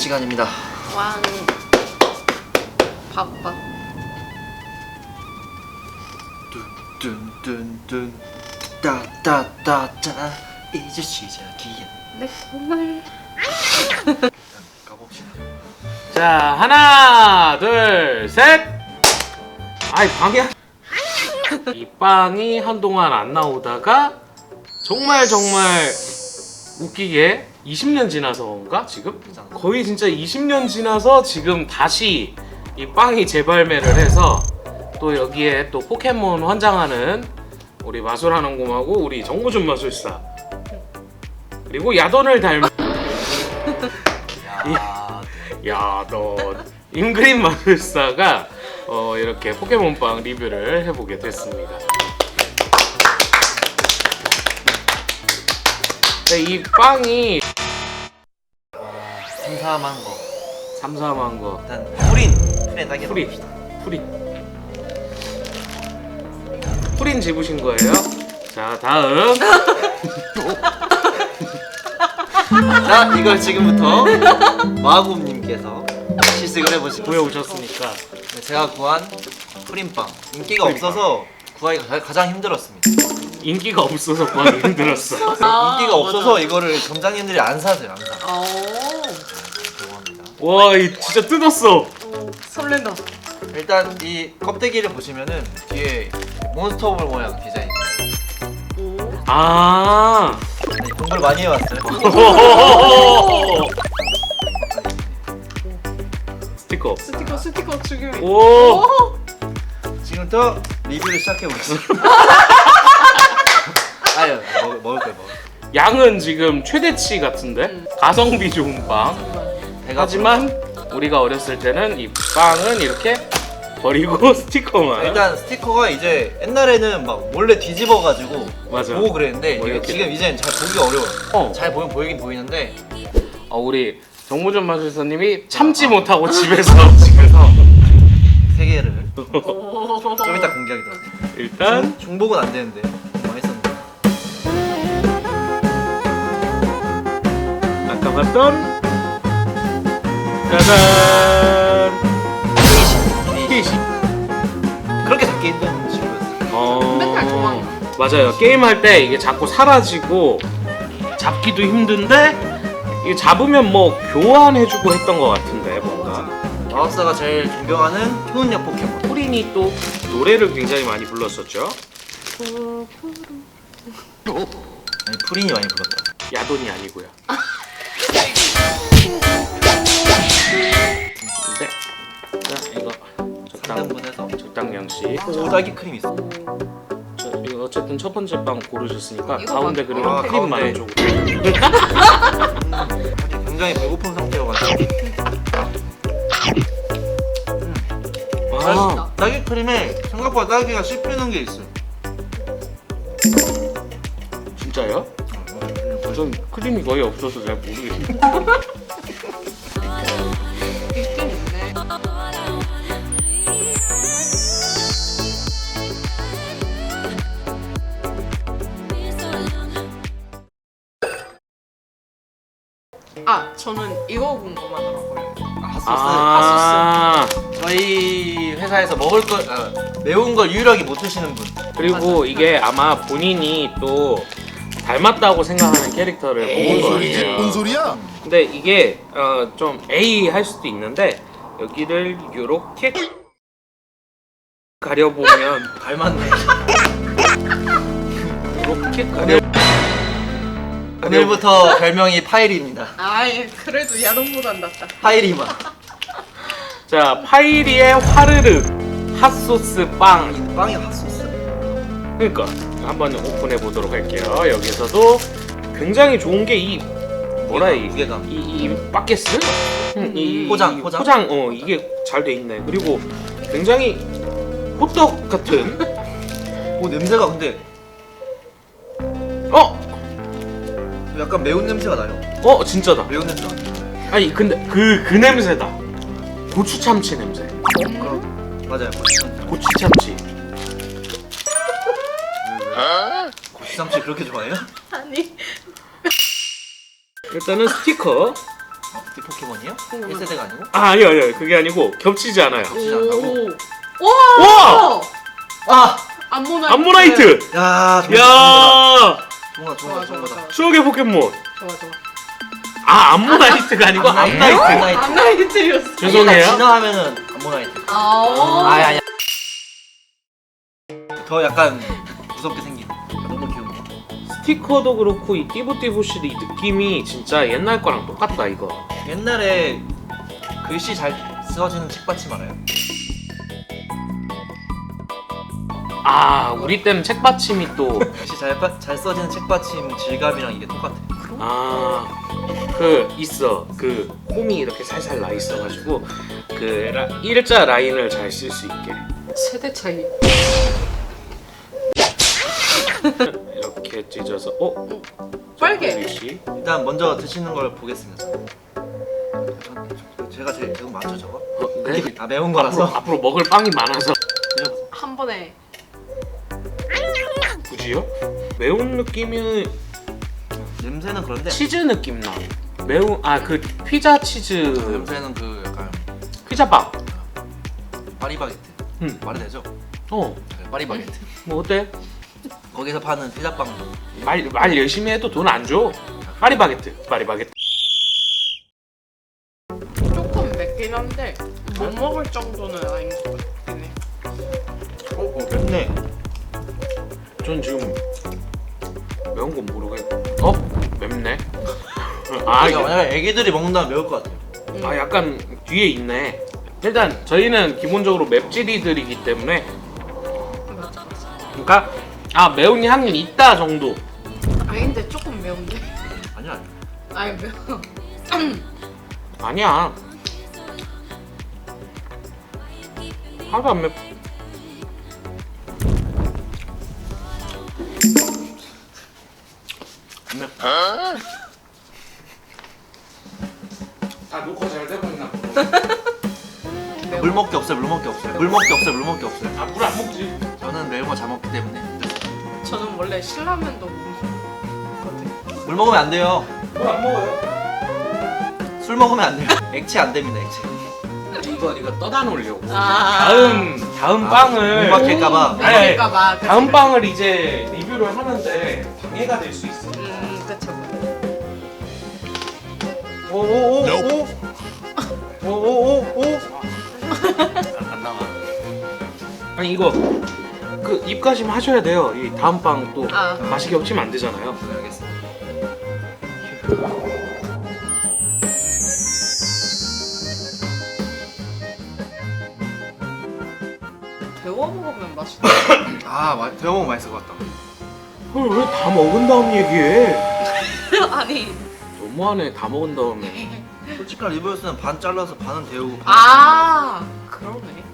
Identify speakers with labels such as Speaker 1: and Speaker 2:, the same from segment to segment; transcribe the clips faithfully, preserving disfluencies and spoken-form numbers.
Speaker 1: 시간입니다.
Speaker 2: 왕 밥밥
Speaker 1: 뚠뚠뚠 따따따따 이제 시작이야.
Speaker 2: 내 꿈을
Speaker 1: 가봅시다.
Speaker 3: 자, 하나, 둘, 셋. 아이, 빵이야. 이 빵이 한동안 안 나오다가 정말 정말 웃기게 이십 년 지나서인가 지금? 거의 진짜 이십 년 지나서 지금 다시 이 빵이 재발매를 해서 또 여기에 또 포켓몬 환장하는 우리 마술하는곰하고 우리 정무준 마술사 그리고 야돈을 닮은 야돈 임그린 마술사가 어, 이렇게 포켓몬빵 리뷰를 해보게 됐습니다. 이 빵이
Speaker 1: 삼삼한 거.
Speaker 3: 삼삼한 거
Speaker 1: 일단 프린 프린 따기
Speaker 3: 프린 프린 프린 집으신 거예요? 자, 다음.
Speaker 1: 자, 이걸 지금부터 마구님께서 시식을 해보시고
Speaker 3: 구해오셨으니까
Speaker 1: 제가 구한 프린빵. 인기가
Speaker 3: 프린빵.
Speaker 1: 없어서 구하기가 가- 가장 힘들었습니다.
Speaker 3: 인기가 없어서 구하기 힘들었어.
Speaker 2: 아,
Speaker 1: 인기가 없어서
Speaker 2: 맞아.
Speaker 1: 이거를 점장님들이 안 사세요, 안 사.
Speaker 2: 오
Speaker 1: 죄송합니다.
Speaker 3: 와, 이 진짜 뜯었어.
Speaker 2: 오, 설렌다.
Speaker 1: 일단 이 껍데기를 보시면은 뒤에 몬스터볼 모양 디자인.
Speaker 2: 오
Speaker 3: 아.
Speaker 1: 네, 공부를 많이 해왔어요.
Speaker 3: 스티커.
Speaker 2: 스티커 스티커 죽이면
Speaker 3: 오.
Speaker 1: 지금부터 리뷰를 시작해 보겠습니다. 아유, 먹, 먹을 거예요, 먹을 거예요.
Speaker 3: 양은 지금 최대치 같은데
Speaker 2: 음.
Speaker 3: 가성비 좋은 빵.
Speaker 1: 배가
Speaker 3: 하지만 우리가 어렸을 때는 이 빵은 이렇게 버리고 스티커만.
Speaker 1: 일단 스티커가 이제 옛날에는 막 몰래 뒤집어가지고
Speaker 3: 맞아.
Speaker 1: 보고 그랬는데
Speaker 3: 뭐
Speaker 1: 이게
Speaker 3: 이렇게.
Speaker 1: 지금 이제는 잘 보기가 어려워요.
Speaker 3: 어.
Speaker 1: 잘 보면 보이긴 보이는데
Speaker 3: 어, 우리 정무준 마술사님이 참지
Speaker 1: 아.
Speaker 3: 못하고 집에서 집에서
Speaker 1: 세 개를
Speaker 2: 오.
Speaker 1: 좀 이따 공개하기로 하죠.
Speaker 3: 일단
Speaker 1: 중복은 안 되는데 많이 했었는데.
Speaker 3: 아까 봤던 짜잔 피시.
Speaker 1: 그렇게 잡기 힘든 친구였어요.
Speaker 3: 어.
Speaker 2: 맨날 도망가.
Speaker 3: 맞아요. 게임할 때 이게 자꾸 사라지고 잡기도 힘든데 이게 잡으면 뭐 교환해주고 했던 것 같은데 뭔가.
Speaker 1: 마법사가 제일 존경하는 효능력 포켓몬.
Speaker 3: 프린이 또 노래를 굉장히 많이 불렀었죠.
Speaker 1: 아니 프린이 많이 불렀다.
Speaker 3: 야돈이 아니고요. 네. 자, 이거 적당
Speaker 1: 상단분에서
Speaker 3: 적당량씩.
Speaker 1: 딸기 크림 있어.
Speaker 3: 저, 이거 어쨌든 첫 번째 빵 고르셨으니까
Speaker 2: 이거
Speaker 3: 가운데
Speaker 2: 봐.
Speaker 3: 그리고
Speaker 1: 아,
Speaker 3: 크림
Speaker 1: 가운데.
Speaker 3: 많이 주고.
Speaker 1: 아직 굉장히 배고픈 상태여가지고.
Speaker 3: 아,
Speaker 1: 딸기 크림에 생각보다 딸기가 씹히는 게 있어요.
Speaker 3: 진짜요? 전 크림이 거의 없어서 잘 모르겠어요.
Speaker 2: 있긴 있네. 아 저는 이거 궁금하더라고요.
Speaker 1: 핫소스.
Speaker 3: 아,
Speaker 1: 저희 회사에서 먹을 걸 아, 매운 걸 유일하게 못 드시는 분.
Speaker 3: 그리고
Speaker 2: 맞아.
Speaker 3: 이게 아마 본인이 또 닮았다고 생각하는 캐릭터를
Speaker 1: 에이,
Speaker 3: 먹은
Speaker 4: 소리지?
Speaker 3: 거예요.
Speaker 4: 뭔 소리야?
Speaker 3: 근데 이게 어, 좀 A 할 수도 있는데 여기를 요렇게 가려보면
Speaker 1: 닮았네.
Speaker 3: 요렇게 가려
Speaker 1: 오늘부터 별명이 파이리입니다.
Speaker 2: 아예 그래도 야동보단 낫다.
Speaker 1: 파이리마.
Speaker 3: 자, 파이리의 화르륵 핫소스 빵.
Speaker 1: 이 빵이 핫소스.
Speaker 3: 그러니까 한번 오픈해 보도록 할게요. 여기서도 굉장히 좋은 게 이 뭐라 이
Speaker 1: 무게감.
Speaker 3: 이, 이 바켓스? 음, 이,
Speaker 1: 포장,
Speaker 3: 이
Speaker 1: 포장.
Speaker 3: 포장 어 이게 잘 돼 있네. 그리고 굉장히 호떡 같은
Speaker 1: 오 냄새가 근데
Speaker 3: 어?
Speaker 1: 약간 매운 냄새가 나요.
Speaker 3: 어 진짜다.
Speaker 1: 매운 냄새 나.
Speaker 3: 아니 근데 그 그 냄새다. 고추 참치 냄새.
Speaker 1: 맞아요. 고추
Speaker 3: 고추 참치.
Speaker 1: 고추 참치 그렇게 좋아해요?
Speaker 2: 아니
Speaker 3: 일단은 스티커
Speaker 1: 이 포켓몬이요?
Speaker 2: 음.
Speaker 1: 일 세대가 아니고?
Speaker 3: 아 아니요 아니요 그게 아니고 겹치지 않아요.
Speaker 1: 겹치지 않다고?
Speaker 2: 오.
Speaker 3: 와!
Speaker 1: 아!
Speaker 2: 암모나이트.
Speaker 3: 암모나이트!
Speaker 1: 야
Speaker 3: 야
Speaker 1: 좋아 좋아
Speaker 2: 좋아,
Speaker 1: 좋아
Speaker 2: 좋아,
Speaker 1: 좋아
Speaker 2: 좋아.
Speaker 3: 추억의 포켓몬.
Speaker 2: 좋아 좋아.
Speaker 3: 아 암모나이트가 아니고
Speaker 1: 암나이트.
Speaker 3: 암나이트.
Speaker 1: 암나이트.
Speaker 2: 암나이트였어.
Speaker 3: 죄송해요.
Speaker 1: 진화하면은 암모나이트.
Speaker 2: 아.
Speaker 1: 아니 아니 더 약간 무섭게 생긴 너무 귀여운
Speaker 3: 스티커도 그렇고 이 띠부띠부실 이 느낌이 진짜 옛날 거랑 똑같다 이거.
Speaker 1: 옛날에 글씨 잘 써지는 책받침 알아요?
Speaker 3: 아 우리 때는 책받침이 또
Speaker 1: 글씨 잘, 빠- 잘 써지는 책받침 질감이랑 이게 똑같아.
Speaker 3: 아, 그 있어. 그 홈이 이렇게 살살 나 있어가지고 그 라, 일자 라인을 잘 쓸 수 있게
Speaker 2: 세대 차이.
Speaker 3: 이렇게 찢어서 어?
Speaker 2: 빨개.
Speaker 3: 글씨.
Speaker 1: 일단 먼저 드시는 걸 보겠습니다. 제가 제일 지금 맞죠 저거?
Speaker 3: 어, 네.
Speaker 1: 아 매운
Speaker 3: 앞으로,
Speaker 1: 거라서.
Speaker 3: 앞으로 먹을 빵이 많아서
Speaker 1: 드셔보세요.
Speaker 2: 한 번에.
Speaker 3: 굳이요? 매운 느낌이
Speaker 1: 냄새는 그런데
Speaker 3: 치즈 느낌 나. 매운 아 그 피자 치즈
Speaker 1: 냄새는 그 약간
Speaker 3: 피자빵.
Speaker 1: 파리바게트.
Speaker 3: 음.
Speaker 1: 말이 되죠?
Speaker 3: 어,
Speaker 1: 네, 파리바게트.
Speaker 3: 뭐 어때?
Speaker 1: 거기서 파는 피자빵.
Speaker 3: 말, 말 열심히 해도 돈 안 줘. 파리바게트, 파리바게트.
Speaker 2: 조금 맵긴 한데 못 먹을 정도는 아닌 것 같긴 해.
Speaker 3: 어, 어 맵네. 전 지금 매운 건 모르겠. 어? 맵네. 아,
Speaker 1: 아,
Speaker 3: 이게-
Speaker 1: 만약에 애기들이 먹는다면 매울 것 같아요.
Speaker 2: 음.
Speaker 3: 아 약간 뒤에 있네. 일단 저희는 기본적으로 맵찔이들이기 때문에
Speaker 2: 맞아 맞아.
Speaker 3: 그러니까 아 매운 향이 있다 정도.
Speaker 2: 아니 근데 조금 매운데.
Speaker 1: 아니야.
Speaker 2: 아니 매워.
Speaker 3: 아니야. 하나도 안 맵.
Speaker 1: 안 맵.
Speaker 3: 다 녹화 잘 되고 있나?
Speaker 1: 물 먹기 없어요. 물 먹기 없어요. 물 먹기 없어요. 물 먹기 없어요.
Speaker 3: 아물 안 먹지.
Speaker 1: 저는 매운 거 잘 먹기 때문에
Speaker 2: 저는 원래 신라면도 먹거든.
Speaker 1: 물 먹으면 안 돼요.
Speaker 3: 물 안 먹어요.
Speaker 1: 술 먹으면 안 돼요. 액체 안 됩니다. 액체.
Speaker 3: 이거 이거 떠다 놓으려고.
Speaker 2: 아.
Speaker 3: 다음 다음
Speaker 1: 아,
Speaker 3: 빵을
Speaker 1: 못 막힐까봐.
Speaker 2: 그러니까 막.
Speaker 3: 다음 빵을 이제 리뷰를 하는데 방해가 될 수 있어.
Speaker 2: 음 그쵸.
Speaker 1: 오오오오. 오오오오.
Speaker 3: 안 나와. 아니 이거 그 입가심 하셔야 돼요. 이 다음 빵 또
Speaker 2: 아.
Speaker 3: 맛이 겹치면 안 되잖아요.
Speaker 1: 네, 알겠습니다.
Speaker 2: 데워 먹으면 맛있다.
Speaker 1: 아, 마, 데워 먹으면 맛있을 것 같다.
Speaker 3: 왜 다 먹은 다음 얘기해?
Speaker 2: 아니.
Speaker 3: 너무하네. 다 먹은 다음에.
Speaker 1: 솔직한 리뷰였으면 반 잘라서 반은 데우고 반.
Speaker 2: 아 그러네.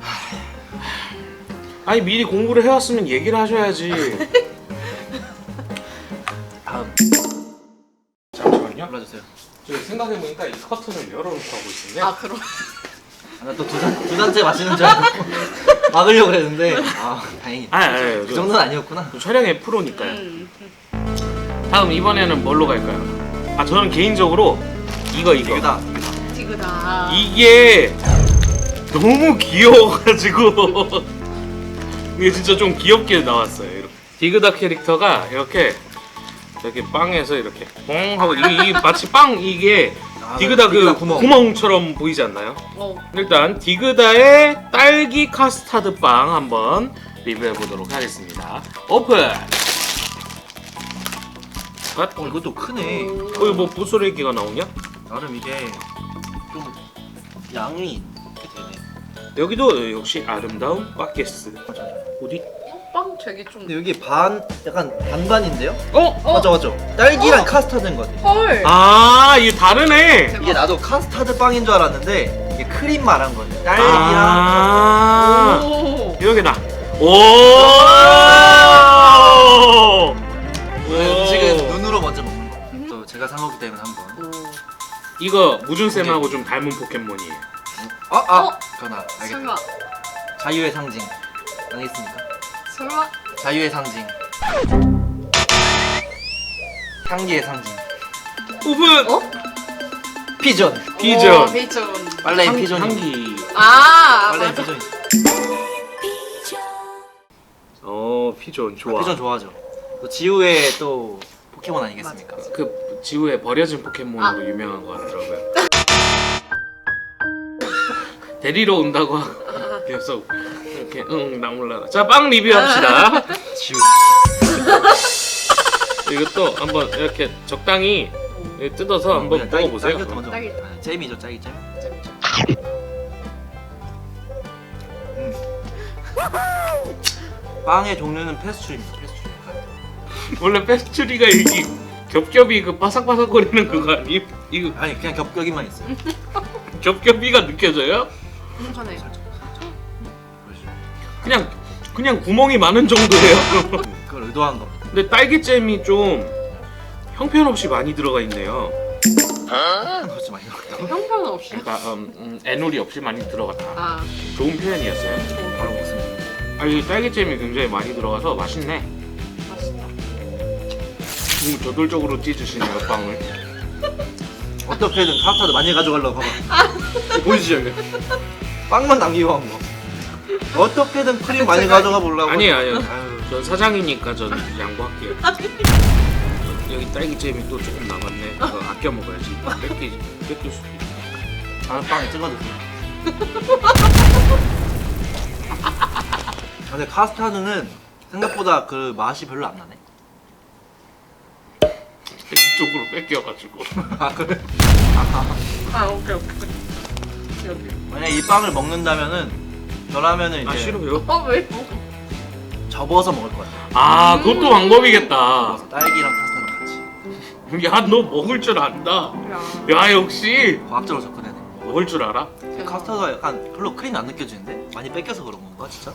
Speaker 3: 아니 미리 공부를 해왔으면 얘기를 하셔야지.
Speaker 1: 다음
Speaker 3: 잠시만요.
Speaker 1: 골라주세요.
Speaker 3: 저 생각해보니까 이 커튼을 열어놓고 하고 있었네.
Speaker 2: 아 그럼.
Speaker 1: 아, 나또두 잔, 두 잔째 마시는 줄 알고 막으려고 그랬는데 아 다행이다.
Speaker 3: 아, 아니, 아니,
Speaker 1: 그
Speaker 3: 저-
Speaker 1: 정도는 아니었구나.
Speaker 3: 촬영의 프로니까요.
Speaker 2: 음.
Speaker 3: 다음 이번에는 뭘로 갈까요? 아 저는 개인적으로 이거 이거
Speaker 1: 이거다.
Speaker 2: 디그다.
Speaker 3: 이게 너무 귀여워가지고 이게 진짜 좀 귀엽게 나왔어요. 이렇게. 디그다 캐릭터가 이렇게 이렇게 빵에서 이렇게 뻥 하고 이게, 이게 마치 빵 이게
Speaker 1: 아,
Speaker 3: 디그다 그
Speaker 1: 디그다 구멍.
Speaker 3: 구멍처럼 보이지 않나요?
Speaker 2: 어.
Speaker 3: 일단 디그다의 딸기 카스타드 빵 한번 리뷰해 보도록 하겠습니다. 오픈. 아,
Speaker 1: 어 이것도 크네.
Speaker 3: 거기 뭐 부스레기가 나오냐?
Speaker 1: 나름 이게 좀 양이 이렇게 되네.
Speaker 3: 여기도 역시 아름다운 바게스. 어디?
Speaker 2: 빵 되게 좀.
Speaker 1: 근데 여기 반 약간 반반인데요?
Speaker 3: 어?
Speaker 2: 어?
Speaker 1: 맞죠 맞죠. 딸기랑
Speaker 2: 어?
Speaker 1: 카스타드인 것 같아.
Speaker 2: 헐.
Speaker 3: 아 이게 다르네.
Speaker 2: 대박.
Speaker 1: 이게 나도 카스타드 빵인 줄 알았는데 이게 크림 말한 거네. 딸기랑
Speaker 3: 아
Speaker 2: 오.
Speaker 3: 여기다. 오.
Speaker 1: 네, 음식은 눈으로 먼저 먹는 거. 또 제가 산 거기 때문에 한번.
Speaker 2: 오.
Speaker 3: 이거 무준 쌤하고 좀 닮은 포켓몬이에요.
Speaker 1: 아 아.
Speaker 2: 어?
Speaker 1: 그나 알겠다.
Speaker 2: 설마.
Speaker 1: 자유의 상징. 아니겠습니까?
Speaker 2: 설마.
Speaker 1: 자유의 상징. 향기의 상징.
Speaker 3: 오픈.
Speaker 2: 어?
Speaker 1: 피전.
Speaker 3: 피전.
Speaker 2: 오, 피전.
Speaker 1: 빨래
Speaker 3: 향-
Speaker 1: 피전이.
Speaker 3: 향기.
Speaker 2: 아,
Speaker 1: 빨래
Speaker 2: 맞아.
Speaker 1: 피전이.
Speaker 3: 어 피전 좋아.
Speaker 1: 피전 좋아하죠. 또 지우의 또 포켓몬 아니겠습니까?
Speaker 3: 그 지구에 버려진 포켓몬으로 유명한 것 같더라고요. 데리러 온다고 계속 이렇게 응 나 몰라. 자빵 리뷰합시다.
Speaker 1: 지우.
Speaker 3: 이것도 한번 이렇게 적당히 뜯어서 한번
Speaker 1: 그냥 딸기-
Speaker 3: 먹어보세요.
Speaker 1: 딸기부터 먼저.
Speaker 2: 딸기.
Speaker 1: 아, 잼이죠, 딸기 잼. 음. 빵의 종류는 페스츄리입니다. 페스츄리.
Speaker 3: 원래 페스츄리가 이게 겹겹이 그 바삭바삭거리는 그거 아니? 이거
Speaker 1: 아니 그냥 겹겹이만 있어요.
Speaker 3: 겹겹이가 느껴져요?
Speaker 2: 괜찮아요.
Speaker 3: 그냥 그냥 구멍이 많은 정도예요.
Speaker 1: 그걸 의도한 겁니다.
Speaker 3: 근데 딸기잼이 좀 형편없이 많이 들어가 있네요.
Speaker 1: 그렇지 많이 넣었다.
Speaker 2: 형편없이.
Speaker 3: 그러니까 음, 음, 애놀이 없이 많이 들어갔다.
Speaker 2: 아,
Speaker 3: 좋은 표현이었어요.
Speaker 1: 바로 먹습니다.
Speaker 3: 아니 딸기잼이 굉장히 많이 들어가서 맛있네.
Speaker 2: 맛있다.
Speaker 3: 너무 저돌적으로 찢으시네요 빵을.
Speaker 1: 어떻게든 카스타드 많이 가져가려고 봐봐. 이거 보이시죠 이거? 빵만 남기고 한 거. 어떻게든 크림 많이 가져가 보려고.
Speaker 3: 아니에요 아니에요.
Speaker 1: 아유,
Speaker 3: 전 사장이니까 전 양보할게요. 여기 딸기잼이 또 조금 남았네. 이거 아껴 먹어야지. 뺏기 뺏길 수도 있어.
Speaker 1: 다른 빵에 찍어주세요. 근데 카스타드는 생각보다 그 맛이 별로 안 나네.
Speaker 3: 쪽으로 뺏겨가지고.
Speaker 1: 아 그래?
Speaker 2: 아, 오케이, 오케이. 여기.
Speaker 1: 만약 이 빵을 먹는다면은 저라면은 이제
Speaker 3: 아 싫어요?
Speaker 2: 어, 왜? 뭐?
Speaker 1: 접어서 먹을 것 같아.
Speaker 3: 아 그것도 방법이겠다.
Speaker 1: 접어서 딸기랑 카스타드 같이.
Speaker 3: 야 너 먹을 줄 안다.
Speaker 2: 야.
Speaker 3: 야 역시
Speaker 1: 과학적으로 접근해야 돼.
Speaker 3: 먹을 줄 알아?
Speaker 1: 카스타드가 약간 별로 크림이 안 느껴지는데? 많이 뺏겨서 그런 건가 진짜?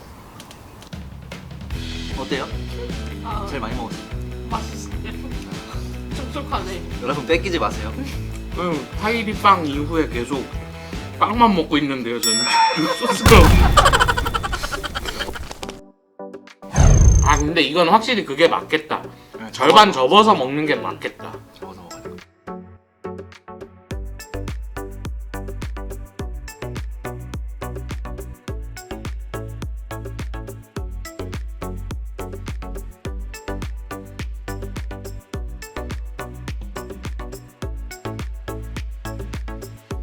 Speaker 1: 어때요?
Speaker 2: 아,
Speaker 1: 제일 많이 먹었어요.
Speaker 2: 맛있어. 촉촉하네.
Speaker 1: 여러분 뺏기지 마세요.
Speaker 3: 응, 파이리 빵 이후에 계속 빵만 먹고 있는데요 저는. 소스가 없는. 아 근데 이건 확실히 그게 맞겠다. 절반 접어서 먹는 게 맞겠다.